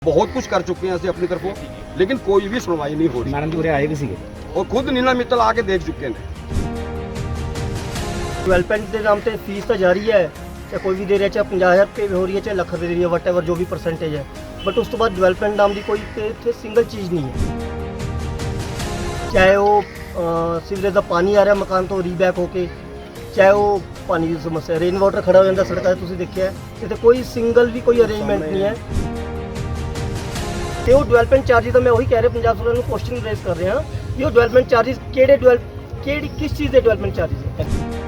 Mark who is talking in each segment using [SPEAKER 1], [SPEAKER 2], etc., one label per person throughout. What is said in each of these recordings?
[SPEAKER 1] बहुत कुछ कर चुके हैं ਅਸੀਂ अपनी तरफों, लेकिन कोई भी सुनवाई नहीं हो रही।
[SPEAKER 2] मैडम जी उरे आए भी सीगे
[SPEAKER 1] और खुद नीना मित्तल आके देख चुके हैं।
[SPEAKER 3] ਡਿਵੈਲਪਮੈਂਟ ਦੇ ਨਾਮ ਤੇ ਫੀਸ ਤਾਂ ਜਾਰੀ ਹੈ, ਚਾਹੇ ਕੋਈ ਵੀ ਦੇ ਰਿਹਾ, ਚਾਹੇ 50,000 ਰੁਪਏ ਵੀ ਹੋ ਰਹੀ ਹੈ, ਚਾਹੇ ਲੱਖ ਰੁਪਏ ਦੇ ਰਹੀ ਹੈ, ਵਟਐਵਰ ਜੋ ਵੀ ਪਰਸੈਂਟੇਜ ਹੈ, ਬਟ ਉਸ ਤੋਂ ਬਾਅਦ ਡਿਵੈਲਪਮੈਂਟ ਨਾਮ ਦੀ ਕੋਈ ਇੱਥੇ ਸਿੰਗਲ ਚੀਜ਼ ਨਹੀਂ ਹੈ। ਚਾਹੇ ਉਹ ਸੀਵਰੇਜ ਦਾ ਪਾਣੀ ਆ ਰਿਹਾ ਮਕਾਨ ਤੋਂ ਰੀਬੈਕ ਹੋ ਕੇ, ਚਾਹੇ ਉਹ ਪਾਣੀ ਦੀ ਸਮੱਸਿਆ, ਰੇਨ ਵਾਟਰ ਖੜਾ ਹੋ ਜਾਂਦਾ ਸੜਕਾਂ 'ਤੇ, ਤੁਸੀਂ ਦੇਖਿਆ ਇੱਥੇ ਕੋਈ ਸਿੰਗਲ ਵੀ ਕੋਈ ਅਰੇਂਜਮੈਂਟ ਨਹੀਂ ਹੈ। ਤੇ ਉਹ ਡਿਵੈਲਪਮੈਂਟ ਚਾਰਜਿਸ ਤਾਂ ਮੈਂ ਉਹੀ ਕਹਿ ਰਿਹਾ, ਪੰਜਾਬ ਸਰਕਾਰ ਨੂੰ ਕੁਐਸਚਨ ਰੇਜ਼ ਕਰ ਰਿਹਾ ਵੀ ਉਹ ਡਿਵੈਲਪਮੈਂਟ ਚਾਰਜਿਸ ਕਿਸ ਚੀਜ਼ ਦੇ ਡਿਵੈਲਪਮੈਂਟ ਚਾਰਜਿਸ ਹੈ।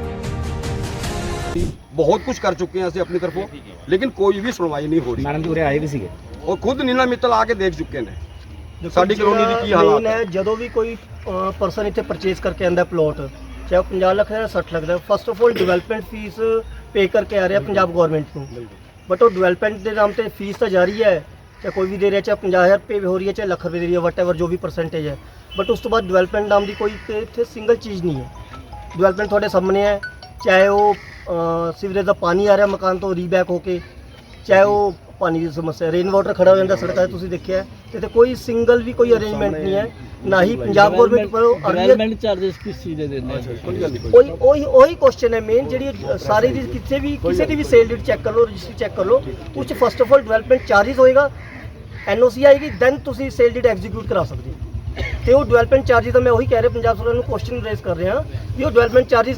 [SPEAKER 1] बहुत कुछ कर चुके हैं ਅਸੀਂ अपनी तरफों, लेकिन कोई भी सुनवाई नहीं हो रही।
[SPEAKER 2] मैडम जी उरे आए भी सीगे
[SPEAKER 1] और खुद नीना मित्तल आके देख चुके हैं ਸਾਡੀ ਕਲੋਨੀ ਦੀ ਕੀ ਹਾਲਾਤ ਹੈ।
[SPEAKER 3] ਜਦੋਂ ਵੀ ਕੋਈ ਪਰਸਨ ਇੱਥੇ ਪਰਚੇਸ ਕਰਕੇ ਆਂਦਾ ਪਲੋਟ, ਚਾਹੇ 50 ਲੱਖ ਹੈ ਜਾਂ 60 ਲੱਖ ਦਾ, first of all development fee pay ਕਰਕੇ ਆ ਰਿਹਾ ਪੰਜਾਬ ਗਵਰਨਮੈਂਟ ਨੂੰ, ਬਟ ਉਹ ਡਿਵੈਲਪਮੈਂਟ ਦੇ ਨਾਮ ਤੇ ਫੀਸ ਤਾਂ ਜਾਰੀ ਹੈ, ਚਾਹੇ ਕੋਈ ਵੀ ਦੇ ਰਿਹਾ, ਚਾਹੇ 50,000 ਰੁਪਏ ਵੀ ਹੋ ਰਹੀ ਹੈ, ਚਾਹੇ ਲੱਖ ਰੁਪਏ ਦੇ ਰਹੀ ਹੈ, ਵਟਐਵਰ ਜੋ ਵੀ ਪਰਸੈਂਟੇਜ ਹੈ, ਬਟ ਉਸ ਤੋਂ ਬਾਅਦ ਡਿਵੈਲਪਮੈਂਟ ਨਾਮ ਦੀ ਕੋਈ ਇੱਥੇ ਸਿੰਗਲ ਚੀਜ਼ ਨਹੀਂ ਹੈ। ਡਿਵੈਲਪਮੈਂਟ ਤੁਹਾਡੇ ਸਾਹਮਣੇ ਹੈ, ਚਾਹੇ ਉਹ ਸੀਵਰੇਜ ਦਾ ਪਾਣੀ ਆ ਰਿਹਾ ਮਕਾਨ ਤੋਂ ਰੀਬੈਕ ਹੋ ਕੇ, ਚਾਹੇ ਉਹ ਪਾਣੀ ਦੀ ਸਮੱਸਿਆ, ਰੇਨ ਵਾਟਰ ਖੜਾ ਹੋ ਜਾਂਦਾ ਸੜਕਾਂ 'ਤੇ, ਤੁਸੀਂ ਦੇਖਿਆ ਇੱਥੇ ਕੋਈ ਸਿੰਗਲ ਵੀ ਕੋਈ ਅਰੇਂਜਮੈਂਟ ਨਹੀਂ ਹੈ, ਨਾ ਹੀ ਪੰਜਾਬ ਗਵਰਨਮੈਂਟ ਵੱਲੋਂ
[SPEAKER 4] ਡਿਵੈਲਪਮੈਂਟ ਚਾਰजेस किस चीज़ ਦੇ ਦਿੰਦੇ
[SPEAKER 3] ਉਹੀ ਕੁਐਸਚਨ ਹੈ ਮੇਨ, ਜਿਹੜੀ ਸਾਰੀ ਦੀ ਕਿਸੇ ਦੀ ਵੀ ਸੇਲ ਡੀਡ ਚੈੱਕ ਕਰ ਲਓ, ਰਜਿਸਟਰੀ ਚੈੱਕ ਕਰ ਲਓ, ਉਹ 'ਚ first of all development charges ਹੋਏਗਾ, NOC ਆਏਗੀ, ਦੈਨ ਤੁਸੀਂ ਸੇਲ ਡੀਡ ਐਗਜ਼ੀਕਿਊਟ ਕਰਾ ਸਕਦੇ ਹੋ। ਤੇ ਉਹ ਡਿਵੈਲਪਮੈਂਟ ਚਾਰजेस ਤਾਂ ਮੈਂ ਉਹੀ ਕਹਿ ਰਿਹਾ, ਪੰਜਾਬ ਸਰਕਾਰ ਨੂੰ ਕੁਐਸਚਨ ਰੇਜ਼ ਕਰ ਰਿਹਾ ਵੀ ਉਹ ਡਿਵੈਲਪਮੈਂਟ ਚਾਰजेस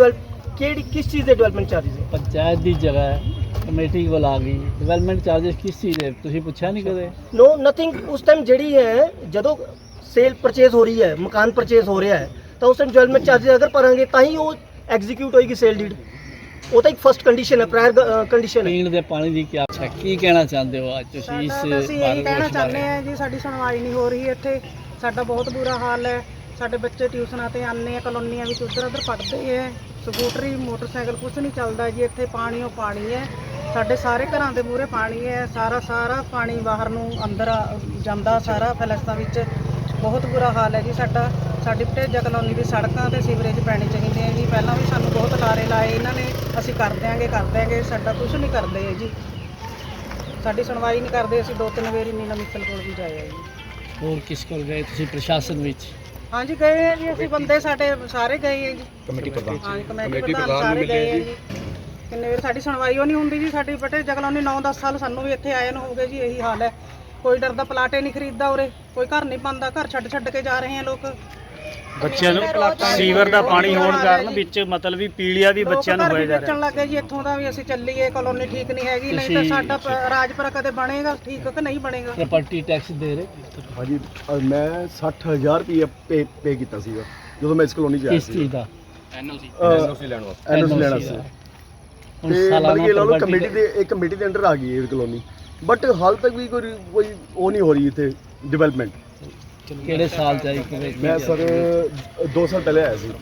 [SPEAKER 3] ਕਿਸ ਚੀਜ਼ ਦੇ ਡਿਵੈਲਪਮੈਂਟ ਚਾਰजेस ਹੈ।
[SPEAKER 4] ਪੰਚਾਇਤ ਦੀ ਜਗ੍ਹਾ ਹੈ, ਕਮੇਟੀ ਕੋਲ ਆ ਗਈ, ਡਿਵੈਲਪਮੈਂਟ ਚਾਰजेस ਕਿਸ ਚੀਜ਼ ਦੇ ਤੁਸੀਂ ਪੁੱਛਿਆ ਨਹੀਂ ਕਦੇ?
[SPEAKER 3] ਨੋ ਨਥਿੰਗ। ਉਸ ਟਾਈਮ ਜਿਹੜੀ ਹੈ, ਜਦੋਂ ਸੇਲ ਪਰਚੇਸ ਹੋ ਰਹੀ ਹੈ, ਮਕਾਨ ਪਰਚੇਸ ਹੋ ਰਿਹਾ ਹੈ, ਤਾਂ ਉਸ ਟਾਈਮ ਡਿਵੈਲਪਮੈਂਟ ਚਾਰजेस ਅਗਰ ਭਰਾਂਗੇ ਤਾਂ ਹੀ ਉਹ ਐਗਜ਼ੀਕਿਊਟ ਹੋਏਗੀ ਸੇਲ ਡੀਡ। ਉਹ ਤਾਂ ਇੱਕ ਫਸਟ ਕੰਡੀਸ਼ਨ ਹੈ, ਪ੍ਰਾਇਰ ਕੰਡੀਸ਼ਨ ਹੈ।
[SPEAKER 4] ਪੀਣ ਦੇ ਪਾਣੀ ਦੀ ਕੀ ਅੱਛਾ ਕੀ ਕਹਿਣਾ ਚਾਹੁੰਦੇ ਹੋ ਅੱਜ ਤੁਸੀਂ ਇਸ
[SPEAKER 5] ਅਸੀਂ ਇਹੀ ਕਹਿਣਾ ਚਾਹੁੰਦੇ ਹਾਂ ਜੀ, ਸਾਡੀ ਸੁਣਵਾਈ ਨਹੀਂ ਹੋ ਰਹੀ ਇੱਥੇ, ਸਾਡਾ ਬਹੁਤ ਬੁਰਾ ਹਾਲ ਹੈ। ਸਾਡੇ ਬੱਚੇ ਟਿਊਸ਼ਨਾਂ ਤੇ ਆਉਂਦੇ ਆ, ਕਲੋਨੀਆਂ ਵਿੱਚ ਉੱਧਰ ਉੱਧਰ ਪੜ੍ਹਦੇ ਹੈ, ਸਕੂਟਰੀ ਮੋਟਰਸਾਈਕਲ ਕੁਝ ਨਹੀਂ ਚੱਲਦਾ ਜੀ ਇੱਥੇ, ਪਾਣੀ ਉਹ ਪਾਣੀ ਹੈ, ਸਾਡੇ ਸਾਰੇ ਘਰਾਂ ਦੇ ਮੂਹਰੇ ਪਾਣੀ ਹੈ, ਸਾਰਾ ਪਾਣੀ ਬਾਹਰ ਨੂੰ ਅੰਦਰ ਜਾਂਦਾ, ਸਾਰਾ ਫਲੈਸ਼ਾਂ ਵਿੱਚ ਬਹੁਤ ਬੁਰਾ ਹਾਲ ਹੈ ਜੀ ਸਾਡਾ। ਸਾਡੀ ਭਟੇਜਾ ਕਲੋਨੀ ਦੀ ਸੜਕਾਂ ਤੇ ਸੀਵਰੇਜ ਪੈਣੀ ਚਾਹੀਦੀ ਹੈ ਜੀ, ਪਹਿਲਾਂ ਵੀ ਸਾਨੂੰ ਬਹੁਤ ਲਾਰੇ ਲਾਏ ਇਹਨਾਂ ਨੇ, ਅਸੀਂ ਕਰ ਦਿਆਂਗੇ, ਸਾਡਾ ਕੁਝ ਨਹੀਂ ਕਰਦੇ ਹੈ ਜੀ, ਸਾਡੀ ਸੁਣਵਾਈ ਨਹੀਂ ਕਰਦੇ। ਅਸੀਂ 2-3 ਵਾਰੀ ਨੀਨਾ ਮਿੱਤਲ ਕੋਲ ਵੀ ਜਾਏ ਆ ਜੀ।
[SPEAKER 4] ਹੋਰ ਕਿਸ ਕੋਲ ਗਏ ਤੁਸੀਂ ਪ੍ਰਸ਼ਾਸਨ ਵਿੱਚ?
[SPEAKER 5] ਹਾਂਜੀ ਗਏ ਆ ਜੀ, ਅਸੀਂ ਬੰਦੇ ਸਾਡੇ ਸਾਰੇ ਗਏ ਆ ਜੀ, ਕਮੇਟੀ ਪ੍ਰਧਾਨ ਸਾਰੇ ਗਏ ਆ ਜੀ। ਕਿੰਨੇ ਵਾਰ ਸਾਡੀ ਸੁਣਵਾਈ ਉਹ ਨਹੀਂ ਹੁੰਦੀ ਜੀ। ਸਾਡੀ ਭਟੇਜਾ ਕਲੋਨੀ 9-10 ਸਾਲ ਸਾਨੂੰ ਵੀ ਇੱਥੇ ਆਏ ਨੂੰ ਹੋ ਗਏ ਜੀ, ਇਹੀ ਹਾਲ ਹੈ। ਕੋਈ ਡਰਦਾ ਪਲਾਟੇ ਨਹੀਂ ਖਰੀਦਦਾ ਉਰੇ, ਕੋਈ ਘਰ ਨਹੀਂ ਪਾਉਂਦਾ, ਘਰ ਛੱਡ ਕੇ ਜਾ ਰਹੇ ਆ ਲੋਕ।
[SPEAKER 6] ਬੱਚਿਆਂ ਨੂੰ ਸੀਵਰ ਦਾ ਪਾਣੀ ਹੋਣ ਕਾਰਨ ਵਿੱਚ ਮਤਲਬ ਵੀ ਪੀਲੀਆ ਵੀ ਬੱਚਿਆਂ ਨੂੰ ਹੋਇਆ ਜਾ ਰਿਹਾ।
[SPEAKER 5] ਵੇਚਣ ਲੱਗੇ ਜੀ ਇੱਥੋਂ ਦਾ ਵੀ, ਅਸੀਂ ਚੱਲੀਏ, ਕਲੋਨੀ ਠੀਕ ਨਹੀਂ ਹੈਗੀ, ਨਹੀਂ ਤਾਂ ਸਾਡਾ ਰਾਜਪੁਰਾ ਕਦੇ ਬਣੇਗਾ ਠੀਕ ਕਿ ਨਹੀਂ ਬਣੇਗਾ।
[SPEAKER 4] ਪ੍ਰਾਪਰਟੀ ਟੈਕਸ ਦੇ ਰਹੇ
[SPEAKER 7] ਹਾਂਜੀ, ਮੈਂ 60,000 ਰੁਪਏ ਪੇ ਕੀਤਾ ਸੀਗਾ ਜਦੋਂ ਮੈਂ ਇਸ ਕਲੋਨੀ 'ਚ ਆਇਆ
[SPEAKER 4] ਕਿਸ
[SPEAKER 7] ਸੀ।
[SPEAKER 4] ਚੀਜ਼ ਦਾ?
[SPEAKER 1] NOC ਲੈਣ ਵਾਸਤੇ।
[SPEAKER 7] NOC ਲੈਣਾ ਸੀ।
[SPEAKER 4] ਹੁਣ
[SPEAKER 7] ਤੇ
[SPEAKER 4] ਸਾਲਾਨਾ
[SPEAKER 7] ਬਲਕਿ ਲਾ ਲਓ
[SPEAKER 4] property
[SPEAKER 7] ਕਮੇਟੀ ਦੇ ਅੰਡਰ ਆ ਗਈ ਇਹ ਕਲੋਨੀ, ਬਟ ਹਾਲ ਤੱਕ ਵੀ ਕੋਈ ਉਹ ਨਹੀਂ ਹੋ ਰਹੀ ਇੱਥੇ ਡਿਵੈਲਪਮੈਂਟ।
[SPEAKER 4] ਕਿਹੜੇ ਸਾਲ ਚ ਆਈ
[SPEAKER 7] ਮੈਂ ਸਰ 2 ਸਾਲ ਪਹਿਲੇ ਆਇਆ ਸੀ।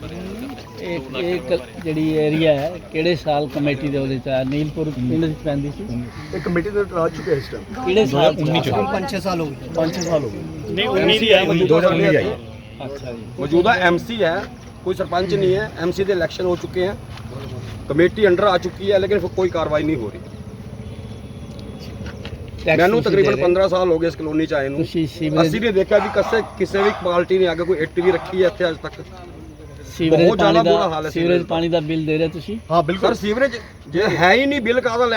[SPEAKER 4] ਇੱਕ ਜਿਹੜੀ ਏਰੀਆ ਹੈ ਕਿਹੜੇ ਸਾਲ ਕਮੇਟੀ ਦੇ ਉਹਦੇ ਚ ਆਇਆ? ਨੀਲਪੁਰ ਪਿੰਡ ਵਿੱਚ ਪੈਂਦੀ ਸੀ।
[SPEAKER 7] ਇਹ ਕਮੇਟੀ ਦੇ ਅੰਡਰ ਆ ਚੁੱਕਿਆ ਇਸ ਟਾਈਮ।
[SPEAKER 4] ਕਿਹੜੇ ਸਾਲ ਚ?
[SPEAKER 3] 5-6 ਸਾਲ ਹੋ ਗਏ।
[SPEAKER 7] 5-6 ਸਾਲ ਹੋ ਗਏ।
[SPEAKER 6] ਨਹੀਂ 19 ਦੀ ਆਈ
[SPEAKER 7] 2019 ਦੀ ਆਈ।
[SPEAKER 4] ਅੱਛਾ ਜੀ।
[SPEAKER 1] ਮੌਜੂਦਾ MC ਹੈ, कोई सरपंच नहीं है। MC के इलेक्शन हो चुके हैं, कमेटी अंडर आ चुकी है, लेकिन कोई कार्रवाई नहीं हो रही। मैनू तकरीबन 15 साल हो गए इस कलोनी च आए नूं, ਅਸੀਂ ਨਹੀਂ ਦੇਖਿਆ ਵੀ ਕਿਸੇ ਵੀ ਪਾਰਟੀ ਨੇ ਆ ਕੇ ਕੋਈ ਇੱਟ ਵੀ ਰੱਖੀ ਹੈ ਇੱਥੇ ਅੱਜ ਤੱਕ।
[SPEAKER 4] ਸੀਵਰੇਜ
[SPEAKER 1] ਬਹੁਤ ਜ਼ਿਆਦਾ
[SPEAKER 4] ਪਾਣੀ
[SPEAKER 1] ਬੁਰਾ ਹਾਲ
[SPEAKER 4] ਦਾ
[SPEAKER 1] ਹੈ।
[SPEAKER 4] ਸੀਵਰੇਜ ਪਾਣੀ ਦਾ ਬਿੱਲ ਦੇ ਰਹੇ ਤੁਸੀਂ?
[SPEAKER 7] ਹਾਂ ਬਿਲਕੁਲ
[SPEAKER 1] ਸਰ ਸੀਵਰੇਜ ਜੇ ਹੈ ਹੀ ਨਹੀਂ, ਬਿੱਲ ਕਾਹਦਾ